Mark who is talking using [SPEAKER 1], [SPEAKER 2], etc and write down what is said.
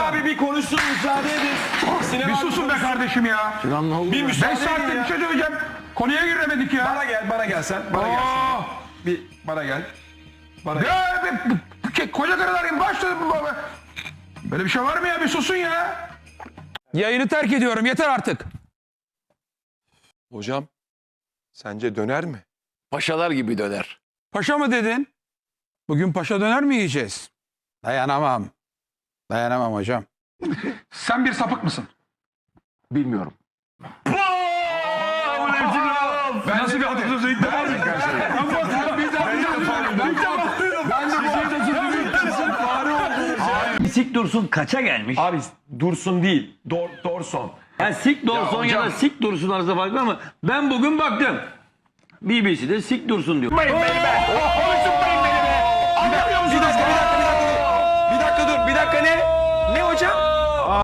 [SPEAKER 1] abi bir konuşsun müsaade edin. Sinan
[SPEAKER 2] Bir
[SPEAKER 1] abi
[SPEAKER 2] susun be
[SPEAKER 1] konuşsun.
[SPEAKER 2] kardeşim ya.
[SPEAKER 1] Bir müsaade
[SPEAKER 2] 5
[SPEAKER 1] edin
[SPEAKER 2] saattir
[SPEAKER 1] ya.
[SPEAKER 2] bir şey söyleyeceğim. Konuya giremedik ya.
[SPEAKER 1] Bana gel sen. Bana gel.
[SPEAKER 2] Oo.
[SPEAKER 1] Bir bana gel. Bana gel.
[SPEAKER 2] Ya koca karılar gibi başladı bu baba. Böyle bir şey var mı ya? Bir susun ya.
[SPEAKER 3] Yayını terk ediyorum. Yeter artık.
[SPEAKER 4] Hocam sence döner mi?
[SPEAKER 5] Paşalar gibi döner.
[SPEAKER 3] Paşa mı dedin? Bugün paşa döner mi yiyeceğiz? Dayanamam. Dayanamam hocam.
[SPEAKER 2] Sen bir sapık mısın?
[SPEAKER 5] Bilmiyorum.
[SPEAKER 2] Ben nasıl bir atasözü ilk defa
[SPEAKER 6] Sik Dursun kaça gelmiş?
[SPEAKER 1] Abi Dursun değil. Dorson.
[SPEAKER 6] Yani Sik Dursun ya da Sik Dursun arasında fark var ama ben bugün baktım. BBC'de Sik Dursun diyor.
[SPEAKER 2] Konuşturmayın beni be.